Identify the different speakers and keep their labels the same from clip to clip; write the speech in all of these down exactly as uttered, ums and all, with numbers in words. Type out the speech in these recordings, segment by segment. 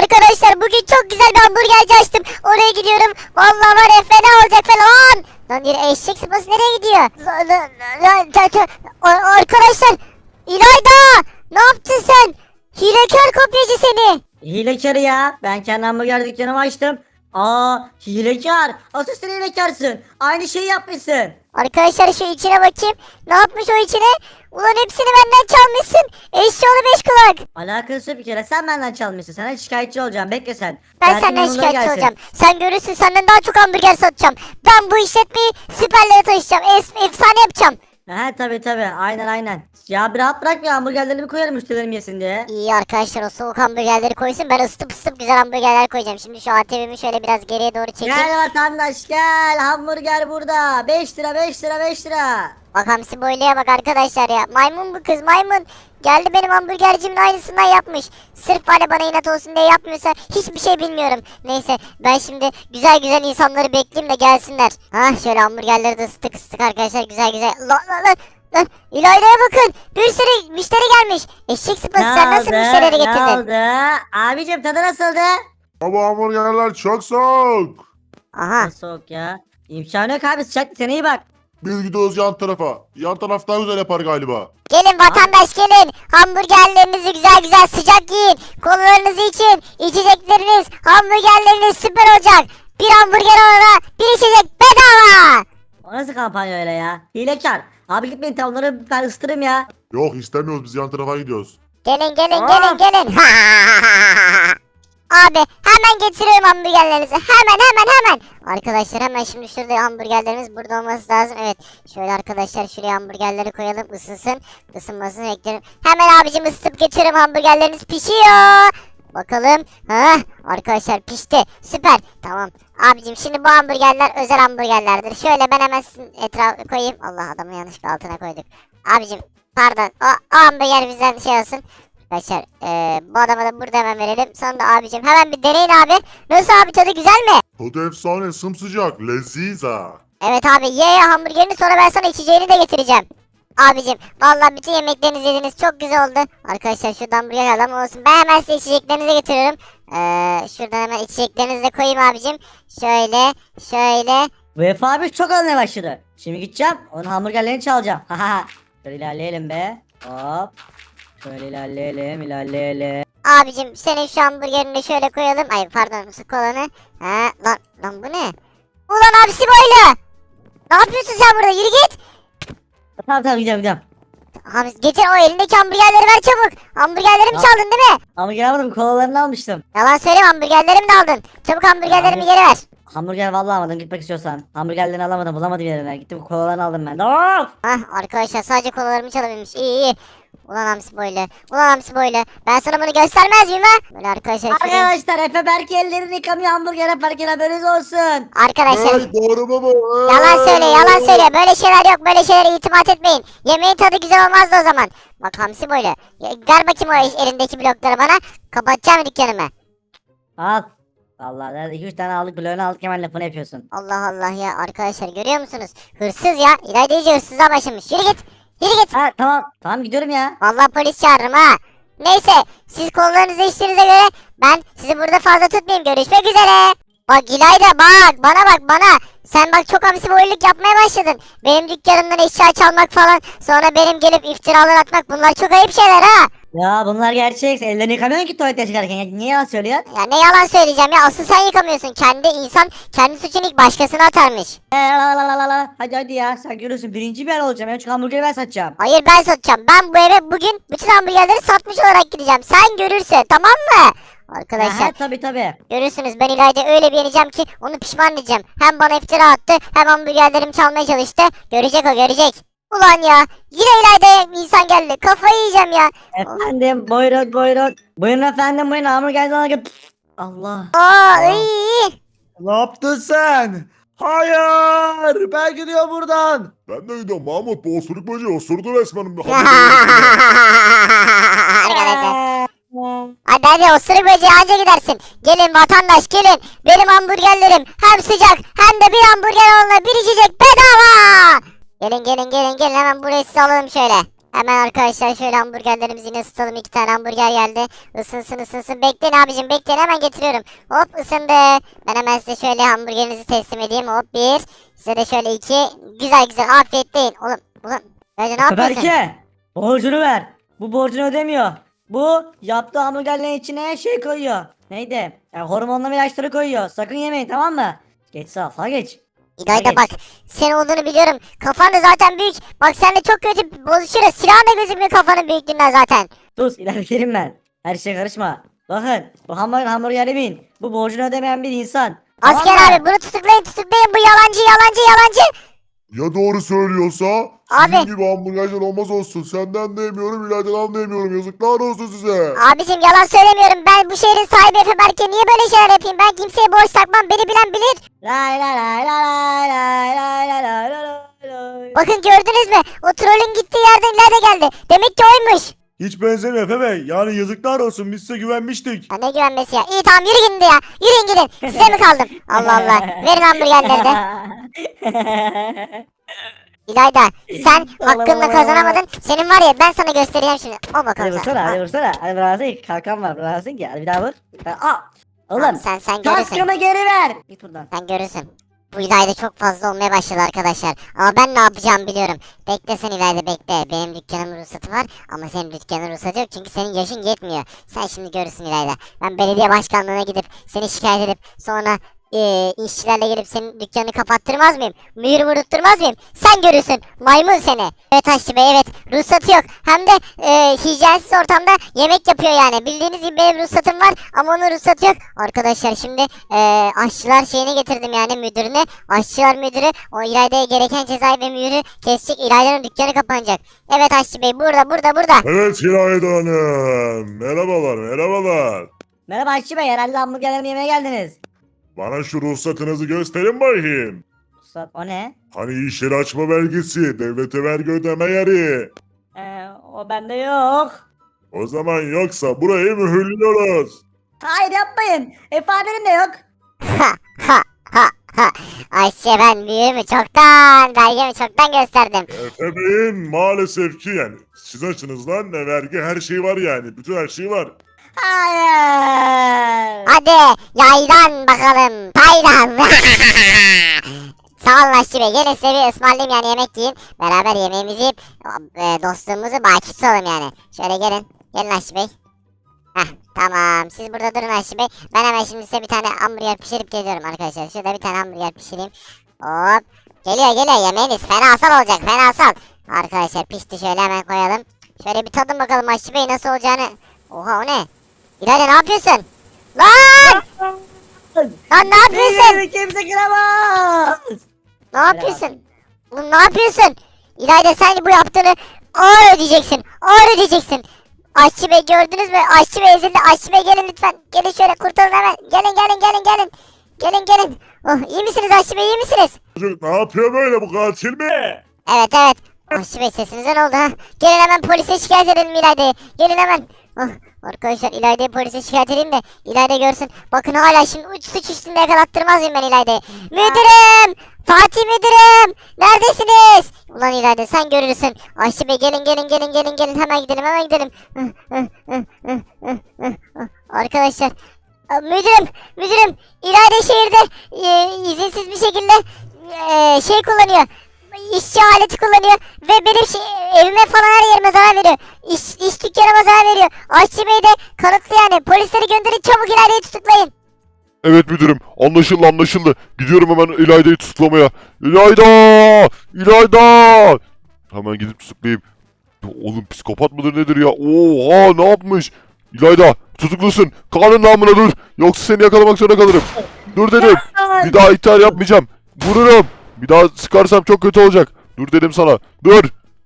Speaker 1: Arkadaşlar bugün çok güzel bir hamburgerci açtım. Oraya gidiyorum. Vallahi var ya fena olacak falan. Lan yine eşek sıpası nereye gidiyor? Lan, lan, lan, lan, lan, Ar- Arkadaşlar İlayda ne yaptın sen? Hilekar kopyacı seni.
Speaker 2: Hilekar ya. Ben kendi hamburger dükkanımı açtım. Aa, hilekar. Asıl sen hilekarsın. Aynı şeyi yapmışsın.
Speaker 1: Arkadaşlar şu içine bakayım. Ne yapmış o içine? Ulan hepsini benden çalmışsın. Eşşoğlu beş kulak.
Speaker 2: Alakası bir kere. Sen benden çalmışsın. Sana şikayetçi olacağım. Bekle sen.
Speaker 1: Ben
Speaker 2: Derdin
Speaker 1: senden
Speaker 2: yanına
Speaker 1: şikayetçi
Speaker 2: gelsin.
Speaker 1: olacağım. Sen görürsün, senden daha çok hamburger satacağım. Ben bu işletmeyi süperlere taşıyacağım. Es- efsane yapacağım.
Speaker 2: He tabi tabi. Aynen aynen. Ya bir rahat bırak ya. Hamburgerlerimi koyarım müşterilerim yesin diye.
Speaker 1: İyi arkadaşlar, o soğuk hamburgerleri koysun. Ben ısıtıp ısıtıp güzel hamburgerler koyacağım. Şimdi şu A T V'mi şöyle biraz geriye doğru çekeyim.
Speaker 2: Gel vatandaş gel. Hamburger burada. beş lira beş lira beş lira.
Speaker 1: Bak hamsi boyluya bak arkadaşlar ya. Maymun bu kız, maymun. Geldi benim hamburgercimin aynısından yapmış. Sırf hani bana inat olsun diye yapmıyorsa hiçbir şey bilmiyorum. Neyse ben şimdi güzel güzel insanları bekleyeyim de gelsinler. Hah şöyle hamburgerleri de ısıttık ısıttık arkadaşlar, güzel güzel. Lan lan lan. Lan İlayda'ya bakın. Bir sürü müşteri gelmiş. Eşek sıpası, sen nasıl müşterileri
Speaker 2: Ne
Speaker 1: getirdin?
Speaker 2: oldu? Abicim tadı nasıldı?
Speaker 3: Ama hamburgerler çok soğuk.
Speaker 1: Aha.
Speaker 2: Ne soğuk ya. İmkanı yok abi, sıcak, sen iyi bak.
Speaker 3: Biz gidiyoruz yan tarafa. Yan taraf daha güzel yapar galiba.
Speaker 1: Gelin vatandaş gelin. Hamburgerlerinizi güzel güzel sıcak yiyin. Kolalarınızı için. İçecekleriniz, hamburgerleriniz süper olacak. Bir hamburger alana bir içecek bedava.
Speaker 2: O nasıl kampanya öyle ya? Hilekar. Abi gitmeyin, tavları ben ısıtırım ya.
Speaker 3: Yok istemiyoruz, biz yan tarafa gidiyoruz.
Speaker 1: Gelin gelin
Speaker 2: Aa.
Speaker 1: gelin gelin. Abi hemen getiriyorum hamburgerlerinizi. Hemen hemen hemen. Arkadaşlar hemen şimdi şurada hamburgerlerimiz burada olması lazım. Evet. Şöyle arkadaşlar şuraya hamburgerleri koyalım, ısınsın. Isınmasını beklerim. Hemen abicim ısıtıp getiriyorum, hamburgerleriniz pişiyor. Bakalım. Ha, arkadaşlar pişti. Süper. Tamam. Abicim şimdi bu hamburgerler özel hamburgerlerdir. Şöyle ben hemen sizin etrafı koyayım. Allah, adamı yanlışlıkla altına koyduk. Abicim pardon. O, o hamburger bizden şey olsun. Arkadaşlar ee, bu adama da burada hemen verelim. Sonra da abicim hemen bir deneyin abi. Nasıl abi, tadı güzel mi?
Speaker 3: Tadı efsane, sımsıcak, leziza.
Speaker 1: Evet abi, ye ye hamburgerini, sonra ben sana içeceğini de getireceğim. Abicim vallahi bütün yemeklerinizi yediniz, çok güzel oldu. Arkadaşlar şuradan hamburger alalım olsun. Ben hemen size içeceklerinizi getiriyorum. Ee, şuradan hemen içeceklerinizi de koyayım abicim. Şöyle şöyle.
Speaker 2: Bu Efe abi çok almaya başladı. Şimdi gideceğim, onun hamburgerlerini çalacağım. Haha. Şöyle ilerleyelim be. Hop. Şöyle ilerleyelim ilerleyelim.
Speaker 1: Abicim senin şu hamburgerini de şöyle koyalım. Ay pardon, su kolanı. Ha lan lan bu ne? Ulan abisi böyle. Ne yapıyorsun sen burada? Yürü git.
Speaker 2: Tamam tamam gidiyorum gidiyorum.
Speaker 1: Hamsi getir o elindeki hamburgerleri, ver çabuk. Hamburgerlerimi
Speaker 2: Ya.
Speaker 1: çaldın değil mi?
Speaker 2: Hamburger almadım, kolalarını almıştım.
Speaker 1: Yalan söyleme, hamburgerlerimi de aldın. Çabuk hamburgerlerimi
Speaker 2: Abi.
Speaker 1: geri ver.
Speaker 2: Hamburger vallahi almadım, gitmek istiyorsan. Hamburgerlerini alamadım, bulamadım yerine. Gittim kolalarını aldım ben. Of!
Speaker 1: Hah arkadaşlar sadece kolalarımı çalabilmiş. İyi iyi. Ulan hamsi böyle. Ulan hamsi böyle. Ben sana bunu göstermez miyim ha? Böyle arkadaşlar. şuraya-
Speaker 2: Arkadaşlar Efe Berke ellerini yıkamıyor hamburger yaparken, haberiniz olsun.
Speaker 1: Arkadaşlar.
Speaker 3: Hey, doğru mu bu?
Speaker 1: Yalan söyle yalan söyle. Böyle şeyler yok. Böyle şeylere itimat etmeyin. Yemeğin tadı güzel olmazdı o zaman. Bak hamsi böyle. Ya, ver bakayım o elindeki blokları bana. Kapatacağım dükkanımı.
Speaker 2: Al. Vallahi iki üç tane aldık, bloğunu aldık, hemen lafını yapıyorsun.
Speaker 1: Allah Allah ya arkadaşlar, görüyor musunuz? Hırsız ya. İlayda iyice hırsıza başlamış. Yürü git. Yürü git.
Speaker 2: Ha tamam tamam gidiyorum ya.
Speaker 1: Vallahi polis çağırırım ha. Neyse siz kollarınızı içtiğinize göre ben sizi burada fazla tutmayayım. Görüşmek üzere. Bak İlayda bak bana bak bana. Sen bak çok hamsi boyluk yapmaya başladın. Benim dükkanımdan eşya çalmak falan. Sonra benim gelip iftiralar atmak, bunlar çok ayıp şeyler ha.
Speaker 2: Ya bunlar gerçek. Ellerini yıkamıyorsun ki tuvalete çıkarken. Ya, niye yalan söylüyorsun?
Speaker 1: Ya ne yalan söyleyeceğim ya, asıl sen yıkamıyorsun. Kendi insan kendi suçunu ilk başkasına atarmış.
Speaker 2: Ee, la la la la la. Hadi hadi ya, sen görürsün, birinci bir yer olacağım. En çok hamburgeri ben satacağım.
Speaker 1: Hayır ben satacağım. Ben bu eve bugün bütün hamburgerleri satmış olarak gideceğim. Sen görürse tamam mı? Arkadaşlar
Speaker 2: Ha, tabii tabii.
Speaker 1: görürsünüz, ben İlayda'yı öyle bir yeneceğim ki onu pişman edeceğim. Hem bana iftira attı hem hamburgerlerimi çalmaya çalıştı. Görecek o, görecek. Ulan ya yine İlayda'ya insan geldi. Kafayı yiyeceğim ya.
Speaker 2: Efendim buyurun buyurun. Buyurun efendim buyurun, hamburger sana gel. Allah.
Speaker 1: Aa iyi.
Speaker 4: Ne yaptın sen? Hayır! Ben gidiyorum buradan.
Speaker 3: Ben de gidiyorum Mahmut, bu osuruk böceği osurdu resmen.
Speaker 1: Arkadaşlar. Hadi hadi osuruk böceği anca gidersin. Gelin vatandaş gelin. Benim hamburgerlerim hem sıcak hem de bir hamburger alana bir içecek bedava. Gelin gelin gelin gelin, hemen burayı size alalım şöyle. Hemen arkadaşlar şöyle hamburgerlerimizi yine ısıtalım. İki tane hamburger geldi. Isınsın ısınsın. Bekleyin abicim bekleyin hemen getiriyorum. Hop ısındı. Ben hemen size şöyle hamburgerinizi teslim edeyim. Hop bir. Size de şöyle iki. Güzel güzel afiyet deyin. Oğlum ulan. Hadi ne yapıyorsun?
Speaker 2: Berke borcunu ver. Bu borcunu ödemiyor. Bu yaptığı hamburgerlerin içine şey koyuyor. Neydi? Yani hormonlu ilaçları koyuyor. Sakın yemeyin tamam mı? Geç sağa sağa geç.
Speaker 1: İlayda
Speaker 2: Geç.
Speaker 1: bak senin olduğunu biliyorum. Kafan da zaten büyük. Bak seninle çok kötü bozuşuruz. Silahın da gözükmüyor kafanın büyüklüğünden zaten.
Speaker 2: Sus ilerleyelim ben. Her şeye karışma. Bakın bu hamburger hamburger yemeyin. Bu borcunu ödemeyen bir insan. Tamam
Speaker 1: Asker
Speaker 2: mı?
Speaker 1: abi bunu tutuklayın tutuklayın. Bu yalancı yalancı yalancı.
Speaker 3: Ya doğru söylüyorsa?
Speaker 1: Abi.
Speaker 3: Sizin gibi hamburgerler olmaz olsun. Senden de yemiyorum, İlayda'dan da yemiyorum. Yazıklar olsun size.
Speaker 1: Abicim yalan söylemiyorum. Ben bu şehrin sahibi Efe Berke. Niye böyle şeyler yapayım? Ben kimseye borç takmam. Beni bilen bilir.
Speaker 2: Lay lay lay lay lay lay lay lay lay lay.
Speaker 1: Bakın gördünüz mü? O trolün gittiği yerden ileride geldi. Demek ki oymuş.
Speaker 4: Hiç benzemiyor Efe Bey. Yani yazıklar olsun biz size güvenmiştik.
Speaker 1: Ya ne güvenmesi ya. İyi tamam yürü gidin de ya. Yürüyün gidin. Size mi kaldım? Allah Allah. Verin hamburgerleri de. İlayda sen hakkında kazanamadın. Senin var ya ben sana göstereceğim şimdi. Al
Speaker 2: Hadi
Speaker 1: bakalım sen.
Speaker 2: vursana hadi
Speaker 1: Al.
Speaker 2: vursana. Hadi bıraksın kalkan var bıraksın ki. Hadi bir daha vur. Aa.
Speaker 1: Tamam,
Speaker 2: Oğlum
Speaker 1: sen sen görürsün.
Speaker 2: kaskımı geri ver. Git buradan.
Speaker 1: Sen görürsün. Bu İlayda çok fazla olmaya başladı arkadaşlar. Ama ben ne yapacağımı biliyorum. Bekle sen İlayda bekle. Benim dükkanımın ruhsatı var ama senin dükkanın ruhsatı yok çünkü senin yaşın yetmiyor. Sen şimdi görürsün İlayda. Ben belediye başkanlığına gidip seni şikayet edip sonra e, işçilerle gelip senin dükkanını kapattırmaz mıyım? Mühür vurutturmaz mıyım? Sen görürsün. Maymun seni. Evet Aşçı Bey evet. Ruhsatı yok. Hem de e, hijyensiz ortamda yemek yapıyor yani. Bildiğiniz gibi benim ruhsatım var ama onun ruhsatı yok. Arkadaşlar şimdi e, aşçılar şeyini getirdim yani müdürüne. Aşçılar müdürü o İlayda'ya gereken cezayı ve mühürü kesecek. İlayda'nın dükkanı kapanacak. Evet Aşçı Bey burada burada burada.
Speaker 3: Evet İlayda Hanım. Merhabalar, merhabalar.
Speaker 2: Merhaba Aşçı Bey herhalde hamburgerlerimi yemeye geldiniz.
Speaker 3: Bana şu ruhsatınızı gösterin bakayım.
Speaker 2: Ustad o ne?
Speaker 3: Hani iş yeri açma belgesi, devlete vergi ödeme yeri.
Speaker 2: Ee, o bende yok.
Speaker 3: O zaman yoksa burayı mühürlüyoruz.
Speaker 2: Hayır yapmayın. İfadenim de yok.
Speaker 1: Ha ha ha ha. Ayşe ben mühürümü çoktan belgemi çoktan gösterdim.
Speaker 3: Efe Bey'in maalesef ki yani siz açınızdan ne vergi her şey var yani. Bütün her şey var.
Speaker 2: Hayır.
Speaker 1: Hadi yaydan bakalım. Taydan. Sağ olun Aşçı Bey. Gelin size bir ısmarlayayım yani yemek yiyin. Beraber yemeğimizi yiyip e, dostluğumuzu baki tutalım yani. Şöyle gelin. Gelin Aşçı Bey. Heh tamam. Siz burada durun Aşçı Bey. Ben hemen şimdi size bir tane hamburger pişirip geliyorum arkadaşlar. Şurada bir tane hamburger pişireyim. Hop. Geliyor geliyor yemeğiniz. Fenasal olacak fenasal. Arkadaşlar pişti şöyle hemen koyalım. Şöyle bir tadın bakalım Aşçı Bey nasıl olacağını. Oha o ne? İlayda ne yapıyorsun? Lan! Lan ne yapıyorsun?
Speaker 2: Beni kimse kıramaz.
Speaker 1: Ne yapıyorsun? Oğlum ne yapıyorsun? İlayda sen bu yaptığını ağır ödeyeceksin. Ağır ödeyeceksin. Aşçı Bey gördünüz mü? Aşçı Bey ezildi. Aşçı Bey gelin lütfen. Gelin şöyle kurtarın hemen. Gelin gelin gelin gelin. Gelin gelin. Oh, iyi misiniz Aşçı Bey iyi misiniz?
Speaker 3: Çocuk ne yapıyor böyle bu katil mi?
Speaker 1: Evet evet. Aşçı Bey sesinize ne oldu ha? Gelin hemen polise şikayet edelim İlayda'yı. Gelin hemen. Oh, arkadaşlar İlayda'yı polise şikayet edeyim de İlayda görsün. Bakın hala şimdi uç suç üstünde yakalattırmaz mıyım ben İlayda'yı? Müdürüm! Fatih müdürüm! Neredesiniz? Ulan İlayda sen görürsün. Aşçı Bey gelin gelin gelin gelin gelin hemen gidelim hemen gidelim. Arkadaşlar müdürüm müdürüm İlayda şehirde e, izinsiz bir şekilde e, şey kullanıyor. İşçi aleti kullanıyor ve benim şey, evime falan her yerime zarar veriyor. İş, iş dükkanıma zarar veriyor. Aşçı Bey de kanıtlı yani. Polisleri gönderin çabuk İlayda'yı tutuklayın.
Speaker 3: Evet müdürüm anlaşıldı anlaşıldı. Gidiyorum hemen İlayda'yı tutuklamaya. İlayda! İlayda! Hemen gidip tutuklayayım. Ya oğlum psikopat mıdır nedir ya? Oha ne yapmış? İlayda tutuklusun. Kanun namına dur. Yoksa seni yakalamak zorunda kalırım. Dur dedim. Bir daha ithal yapmayacağım. Vururum. Bir daha sıkarsam çok kötü olacak. Dur dedim sana. Dur.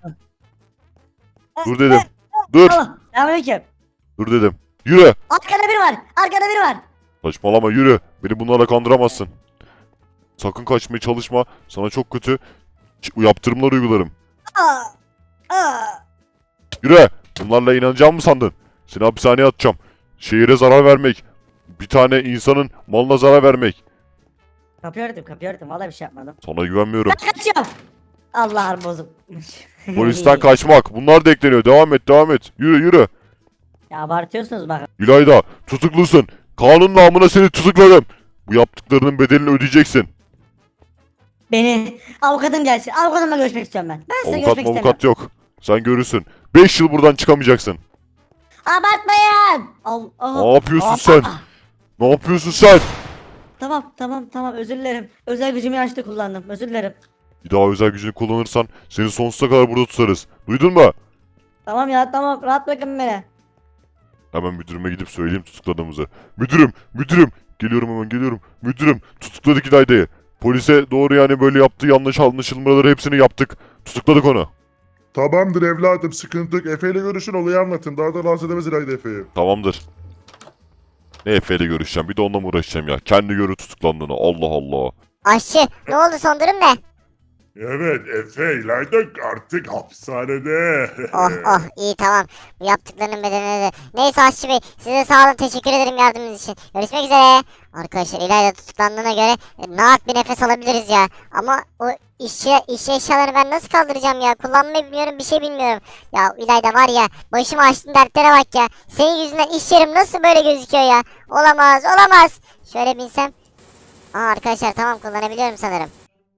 Speaker 3: Dur dedim. Dur.
Speaker 2: Tamam. Selamünaleyküm.
Speaker 3: Dur dedim. Yürü.
Speaker 2: Arkada biri var. Arkada biri var.
Speaker 3: Saçmalama yürü. Beni bunlarla kandıramazsın. Sakın kaçmaya çalışma. Sana çok kötü ç- yaptırımlar uygularım.
Speaker 2: Aa. Aa.
Speaker 3: Yürü. Bunlarla inanacağımı mı sandın? Seni hapishaneye atacağım. Şehire zarar vermek. Bir tane insanın malına zarar vermek.
Speaker 2: Kapıyı örtüm kapıyı örtüm. Vallahi bir şey yapmadım.
Speaker 3: Sana güvenmiyorum.
Speaker 2: Ben kaçıyorum. Allah'ım bozuk.
Speaker 3: Polisten kaçmak. Bunlar da ekleniyor. Devam et devam et. Yürü yürü.
Speaker 2: Ya abartıyorsunuz bak.
Speaker 3: İlayda tutuklusun. Kanun namına seni tutukladım. Bu yaptıklarının bedelini ödeyeceksin.
Speaker 2: Beni avukatım gelsin. Avukatımla görüşmek istiyorum ben. Ben size
Speaker 3: Avukat
Speaker 2: görüşmek istemiyorum.
Speaker 3: avukat yok. Sen görürsün. beş yıl buradan çıkamayacaksın.
Speaker 2: Abartmayın. Al, al.
Speaker 3: Ne yapıyorsun
Speaker 2: Aa,
Speaker 3: sen?
Speaker 2: aa.
Speaker 3: Ne yapıyorsun sen?
Speaker 2: Tamam tamam tamam özür dilerim. Özel gücümü yanlışlıkla kullandım. Özür dilerim.
Speaker 3: Bir daha özel gücünü kullanırsan seni sonsuza kadar burada tutarız. Duydun mu?
Speaker 2: Tamam ya tamam rahat bırakın beni.
Speaker 3: Hemen müdürüme gidip söyleyeyim tutukladığımızı. Müdürüm, müdürüm. Geliyorum hemen geliyorum. Müdürüm, tutukladık İlayda'yı. Polise doğru yani böyle yaptığı yanlış anlaşılmaları hepsini yaptık. Tutukladık onu.
Speaker 5: Tamamdır evladım, sıkıntı yok. Efe ile görüşün, olayı anlatın. Daha da rahatsız edemez İlayda Efe'yi.
Speaker 3: Tamamdır. Ne Efe ile görüşeceğim? Bir de onunla mı uğraşacağım ya? Kendi görü tutuklandığını. Allah Allah.
Speaker 1: Aşçı ne oldu son durum ne?
Speaker 5: Evet, Efe, İlayda artık hapishanede.
Speaker 1: Oh oh iyi tamam. Bu yaptıklarının bedelini de. Neyse Aşçı Bey size sağ olun teşekkür ederim yardımınız için. Görüşmek üzere. Arkadaşlar İlayda tutuklandığına göre e, rahat bir nefes alabiliriz ya. Ama o işçi, işçi eşyalarını ben nasıl kaldıracağım ya? Kullanmayı bilmiyorum bir şey bilmiyorum. Ya İlayda var ya başımı açtın dertlere bak ya. Senin yüzünden iş yerim nasıl böyle gözüküyor ya? Olamaz olamaz. Şöyle binsem. Aa arkadaşlar tamam kullanabiliyorum sanırım.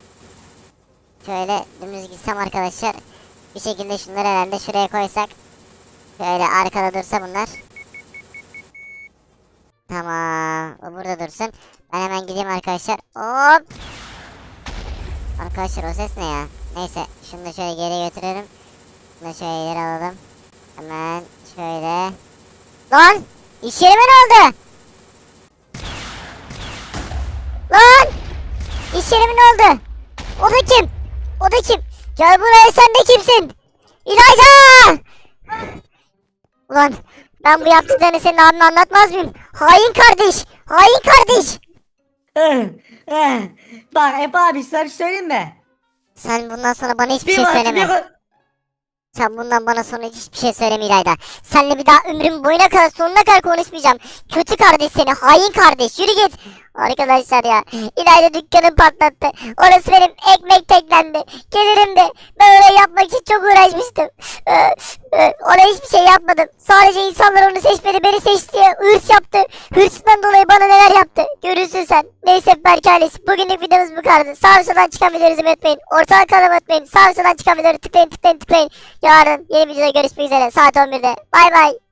Speaker 1: Şöyle dümdüz gitsem arkadaşlar. Bir şekilde şunları herhalde şuraya koysak. Şöyle arkada dursa bunlar. Tamam. O burada dursun. Ben hemen gideyim arkadaşlar. Hop. Arkadaşlar o ses ne ya? Neyse. Şunu da şöyle geri götürelim. Şunu da şöyle ileri alalım. Hemen şöyle. Lan! İş yerime ne oldu? Lan! İş yerime ne oldu? O da kim? O da kim? Gel buraya sen de kimsin? İlayda! Ulan ben bu yaptıklarını senin abime anlatmaz mıyım? Hain kardeş! Hain kardeş!
Speaker 2: Eh, eh. Bak Efe abi size bir şey söyleyeyim mi?
Speaker 1: Sen bundan sonra bana hiçbir
Speaker 2: Bir
Speaker 1: şey
Speaker 2: bak,
Speaker 1: söyleme.
Speaker 2: bir bak-
Speaker 1: Sen bundan bana sonra hiçbir şey söyleme İlayda. Seninle bir daha ömrüm boyuna kadar sonuna kadar konuşmayacağım. Kötü kardeş seni, hain kardeş. Yürü git. Arkadaşlar ya, İlayda dükkanı patlattı. Orası benim ekmek teklendi. Gelirim de ben orayı yapmak için çok uğraşmıştım. Ee, e, Oraya hiçbir şey yapmadım. Sadece insanlar onu seçmedi, beni seçti. Hırs yaptı. Hırsından dolayı bana neler yaptı. Görürsün sen. Neyse Berk ailesi. Bugünlük videomuz bu kadardı. Sağ ve soldan çıkan videoları izlemeyi unutmayın. Ortadan kanalıma unutmayın. Sağ ve soldan çıkan videoları tıklayın tıklayın tıklayın. Yarın yeni videoda görüşmek üzere saat on birde. Bay bay.